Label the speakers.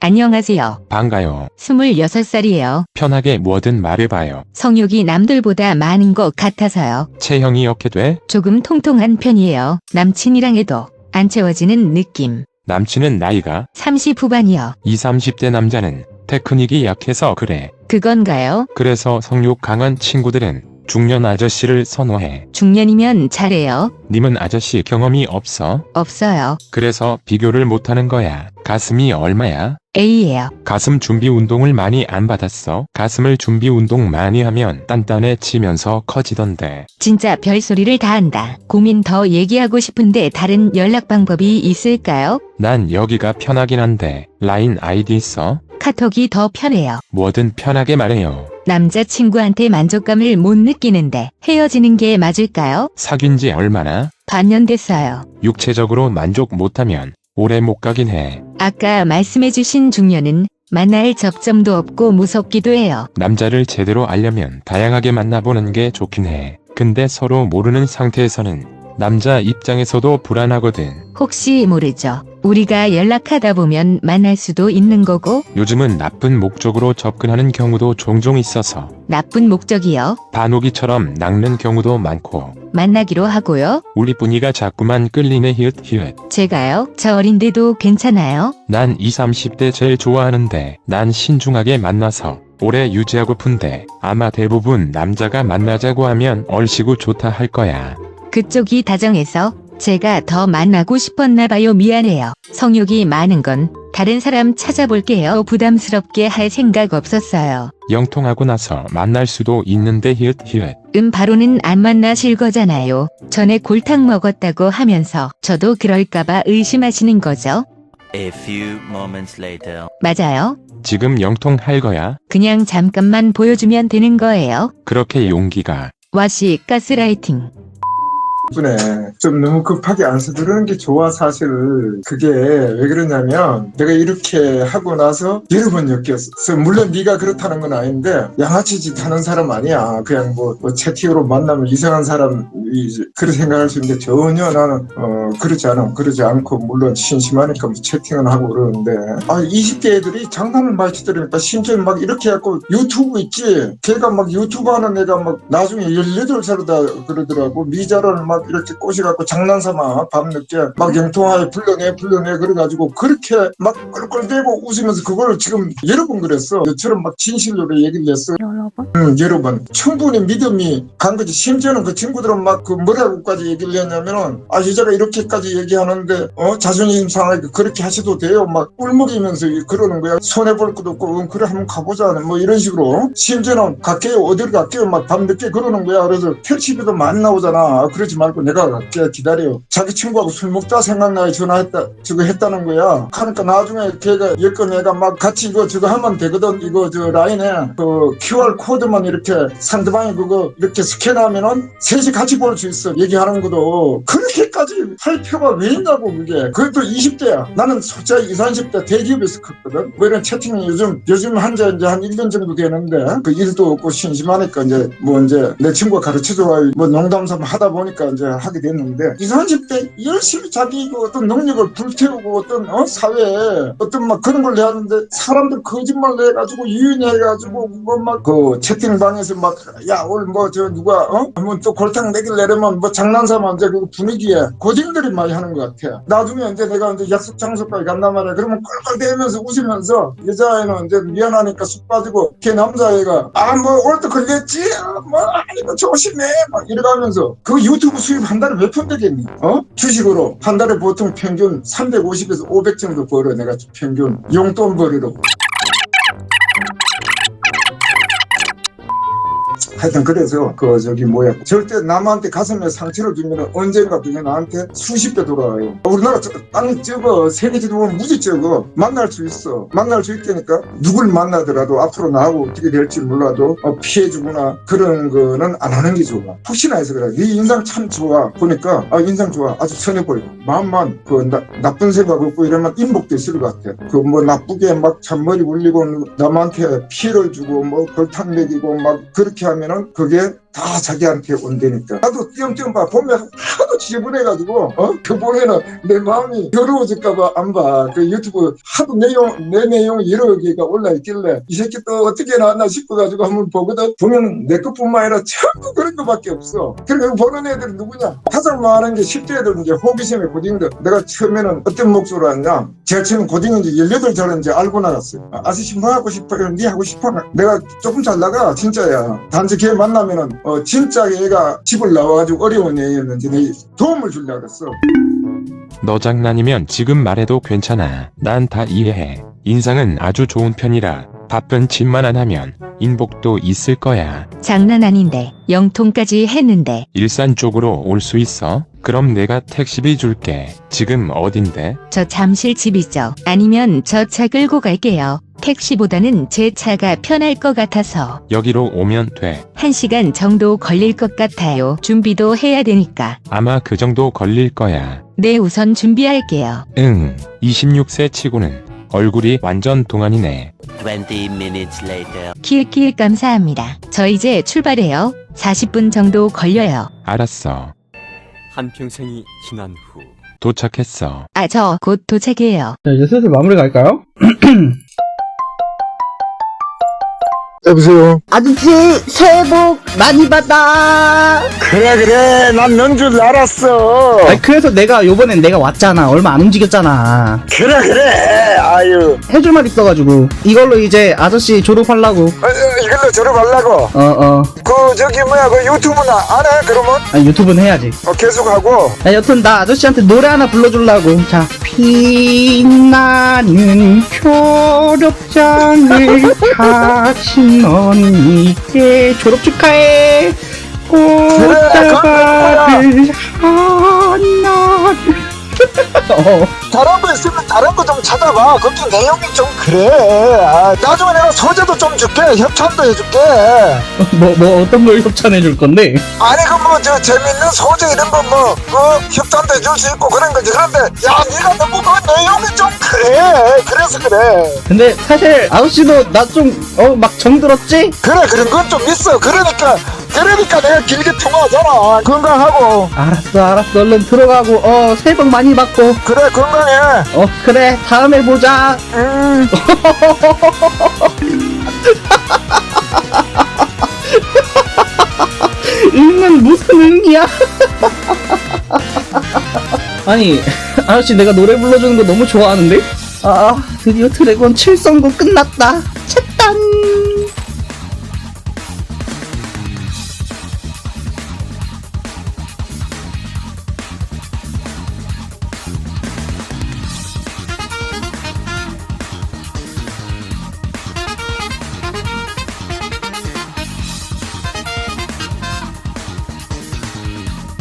Speaker 1: 안녕하세요.
Speaker 2: 반가요.
Speaker 1: 26살이에요.
Speaker 2: 편하게 뭐든 말해봐요.
Speaker 1: 성욕이 남들보다 많은 것 같아서요.
Speaker 2: 체형이 어떻게 돼?
Speaker 1: 조금 통통한 편이에요. 남친이랑 해도 안 채워지는 느낌.
Speaker 2: 남친은 나이가
Speaker 1: 30 후반이요.
Speaker 2: 20, 30대 남자는 테크닉이 약해서 그래.
Speaker 1: 그건가요?
Speaker 2: 그래서 성욕 강한 친구들은 중년 아저씨를 선호해.
Speaker 1: 중년이면 잘해요.
Speaker 2: 님은 아저씨 경험이 없어?
Speaker 1: 없어요.
Speaker 2: 그래서 비교를 못하는 거야. 가슴이 얼마야?
Speaker 1: A예요.
Speaker 2: 가슴 준비 운동을 많이 안 받았어? 가슴을 준비 운동 많이 하면 단단해지면서 커지던데.
Speaker 1: 진짜 별소리를 다 한다. 고민 더 얘기하고 싶은데 다른 연락 방법이 있을까요?
Speaker 2: 난 여기가 편하긴 한데 라인 아이디 써?
Speaker 1: 카톡이 더 편해요.
Speaker 2: 뭐든 편하게 말해요.
Speaker 1: 남자친구한테 만족감을 못 느끼는데 헤어지는 게 맞을까요?
Speaker 2: 사귄 지 얼마나?
Speaker 1: 반년 됐어요.
Speaker 2: 육체적으로 만족 못하면 오래 못 가긴 해.
Speaker 1: 아까 말씀해주신 중년은 만날 접점도 없고 무섭기도 해요.
Speaker 2: 남자를 제대로 알려면 다양하게 만나보는 게 좋긴 해. 근데 서로 모르는 상태에서는 남자 입장에서도 불안하거든.
Speaker 1: 혹시 모르죠. 우리가 연락하다 보면 만날 수도 있는 거고.
Speaker 2: 요즘은 나쁜 목적으로 접근하는 경우도 종종 있어서
Speaker 1: 나쁜 목적이요.
Speaker 2: 반오기처럼 낚는 경우도 많고.
Speaker 1: 만나기로 하고요.
Speaker 2: 우리 분이가 자꾸만 끌리네 히읗.
Speaker 1: 제가요? 저 어린데도 괜찮아요?
Speaker 2: 난 20, 30대 제일 좋아하는데 난 신중하게 만나서 오래 유지하고픈데 아마 대부분 남자가 만나자고 하면 얼씨구 좋다 할 거야.
Speaker 1: 그쪽이 다정해서 제가 더 만나고 싶었나 봐요. 미안해요. 성욕이 많은 건 다른 사람 찾아볼게요. 부담스럽게 할 생각 없었어요.
Speaker 2: 영통하고 나서 만날 수도 있는데 히읗.
Speaker 1: 바로는 안 만나실 거잖아요. 전에 골탕 먹었다고 하면서 저도 그럴까봐 의심하시는 거죠?
Speaker 3: A few moments later.
Speaker 1: 맞아요.
Speaker 2: 지금 영통할 거야?
Speaker 1: 그냥 잠깐만 보여주면 되는 거예요.
Speaker 2: 그렇게 용기가.
Speaker 1: 와씨 가스라이팅.
Speaker 4: 네, 좀 너무 급하게 안 서두르는 게 좋아. 사실 그게 왜 그러냐면 내가 이렇게 하고 나서 여러 번 엮였어. 물론 네가 그렇다는 건 아닌데 양아치 짓 하는 사람 아니야. 그냥 뭐 채팅으로 만나면 이상한 사람이 그렇게 생각할 수 있는데 전혀 나는 그러지 않아. 그러지 않고 물론 심심하니까 뭐 채팅은 하고 그러는데 20대 애들이 장난을 많이 치더라니까. 심지어 막 이렇게 해갖고 유튜브 있지. 걔가 막 유튜브 하는 애가 막 나중에 18살이다 그러더라고. 미자를 막 이렇게 꼬시갖고 장난삼아 밤늦게 막 영통하에 불러내 그래가지고 그렇게 막 껄껄대고 웃으면서 그걸 지금 여러 번 그랬어. 너처럼 막 진실로 얘기를 했어. 여러 번. 충분히 믿음이 간 거지. 심지어는 그 친구들은 막 그 뭐라고까지 얘기를 했냐면은 여자가 이렇게까지 얘기하는데 자존심 상하게 그렇게 하셔도 돼요. 막 꿀먹이면서 그러는 거야. 손해볼 것도 없고 그래 한번 가보자 뭐 이런 식으로. 심지어는 갈게요 어디를 갈게요 막 밤늦게 그러는 거야. 그래서 택시비도 많이 나오잖아. 그러지 말고 내가 갈게 기다려. 자기 친구하고 술 먹다 생각나게 전화했다 저거 했다는 거야. 그러니까 나중에 걔가 여건 애가 막 같이 이거 저거 하면 되거든. 이거 저 라인에 그 QR 코드만 이렇게 상대방이 그거 이렇게 스캔하면은 셋이 같이 볼 수 있어. 얘기하는 것도 그렇게까지 할 필요가 왜 있냐고. 그게 그것도 20대야. 나는 솔직히 20, 30대 대기업에서 컸거든. 뭐 이런 채팅이 요즘 한지 이제 한 1년 정도 되는데 그 일도 없고 심심하니까 이제 뭐 이제 내 친구가 가르쳐줘 뭐 농담삼아 하다 보니까 이제 하게 됐는데 20, 30대 열심히 자기 그 어떤 능력을 불태우고 어떤 사회에 어떤 막 그런 걸 내었는데 사람들 거짓말 내가지고 유인해가지고 그거 막 그 채팅방에서 막 야 오늘 뭐 저 누가 한번 또 골탕 내길 내려면 뭐 장난삼아 이제 그 분위기에 고딩들이 많이 하는 것 같아. 나중에 이제 내가 이제 약속 장소까지 간단 말이야. 그러면 껄껄대면서 웃으면서 여자애는 이제 미안하니까 쑥 빠지고 걔 남자애가 뭐 오늘도 걸렸지 뭐 이거 조심해 막 이래가면서 그 유튜브 수입 한 달에 몇 푼 되겠니? 주식으로 한 달에 보통 평균 350에서 500 정도 벌어. 내가 평균 용돈 벌이로. 하여튼 그래서 절대 남한테 가슴에 상처를 주면 언젠가 그게 나한테 수십 배 돌아와요. 우리나라 세계 지도 보면 무지 적어. 만날 수 있어. 만날 수 있다니까. 누굴 만나더라도 앞으로 나하고 어떻게 될지 몰라도 피해주거나 그런 거는 안 하는 게 좋아. 혹시나 해서 그래. 네 인상 참 좋아. 보니까 인상 좋아. 아주 선해 보여. 마음만 나쁜 생각 없고 이러면 인복도 있을 것 같아. 그 뭐 나쁘게 막 잔머리 울리고 남한테 피해를 주고 뭐 골탕 먹이고 막 그렇게 하면은 그게 다 자기한테 온다니까. 나도 띄엄띄엄 봐. 보면 하도 지저분해가지고, 그 보면은 내 마음이 더러워질까봐 안 봐. 그 유튜브 하도 내 내용 여러 개가 올라있길래 이 새끼 또 어떻게 나왔나 싶어가지고 한번 보거든. 보면 내 것뿐만 아니라 전부 그런 거밖에 없어. 그러니까 보는 애들은 누구냐? 가장 많은 게 10대 애들은 이제 호기심의 고딩들. 내가 처음에는 어떤 목소리로 하냐? 제가 처음 고딩인지 18살인지 알고 나갔어요. 아저씨 뭐 하고 싶어요? 니 하고 싶어? 내가 조금 잘 나가. 진짜야. 단지 걔 만나면은 진짜 얘가 집을 나와가지고 어려운 애였는지 내 도움을 주려고 그랬어.
Speaker 2: 너 장난이면 지금 말해도 괜찮아. 난 다 이해해. 인상은 아주 좋은 편이라 바쁜 짓만 안 하면 인복도 있을 거야.
Speaker 1: 장난 아닌데 영통까지 했는데.
Speaker 2: 일산 쪽으로 올 수 있어? 그럼 내가 택시비 줄게. 지금 어딘데?
Speaker 1: 저 잠실 집이죠. 아니면 저 차 끌고 갈게요. 택시보다는 제 차가 편할 것 같아서.
Speaker 2: 여기로 오면 돼.
Speaker 1: 1시간 정도 걸릴 것 같아요. 준비도 해야 되니까.
Speaker 2: 아마 그 정도 걸릴 거야.
Speaker 1: 네, 우선 준비할게요.
Speaker 2: 26세 치고는 얼굴이 완전 동안이네.
Speaker 3: 20 minutes later.
Speaker 1: 킬킬 감사합니다. 저 이제 출발해요. 40분 정도 걸려요.
Speaker 2: 알았어.
Speaker 5: 한평생이 지난 후
Speaker 2: 도착했어.
Speaker 1: 아, 저 곧 도착해요.
Speaker 6: 자, 이제 슬슬 마무리 갈까요?
Speaker 4: 여보세요?
Speaker 7: 아저씨 새해 복 많이 받아.
Speaker 4: 그래 난 넌 줄 알았어.
Speaker 6: 아니, 그래서 요번엔 내가 왔잖아. 얼마 안 움직였잖아.
Speaker 4: 그래 아유
Speaker 6: 해줄 말 있어가지고. 이걸로 이제 아저씨 졸업하려고.
Speaker 4: 이걸로 졸업하려고. 그 저기 뭐야 그 유튜브는 안 해 그러면?
Speaker 6: 아니, 유튜브는 해야지.
Speaker 4: 계속하고.
Speaker 6: 야, 여튼 나 아저씨한테 노래 하나 불러주려고. 자, 빛나는 졸업장을 가진 언니께 졸업 축하해. 꽃다발을 하나.
Speaker 4: 다른 거 있으면 다른 거 좀 찾아봐. 거기 내용이 좀 그래. 나중에 내가 소재도 좀 줄게. 협찬도 해줄게.
Speaker 6: 뭐 어떤 걸 협찬해 줄 건데?
Speaker 4: 아니 그 뭐 저 재밌는 소재 이런 거 뭐 협찬도 해줄 수 있고 그런 거지. 그런데 야 네가 너무 그 내용이 좀 그래. 그래서 그래.
Speaker 6: 근데 사실 아저씨도 나 좀 막 정들었지?
Speaker 4: 그래 그런 건 좀 있어. 그러니까 내가 길게 통화하잖아. 건강하고.
Speaker 6: 알았어 얼른 들어가고 새해 복 많이 받고.
Speaker 4: 그래 건강해.
Speaker 6: 그래 다음에 보자. 응은 무슨 응이야? 아니 아저씨 내가 노래 불러주는 거 너무 좋아하는데? 드디어 드래곤 7선고 끝났다. 챗단.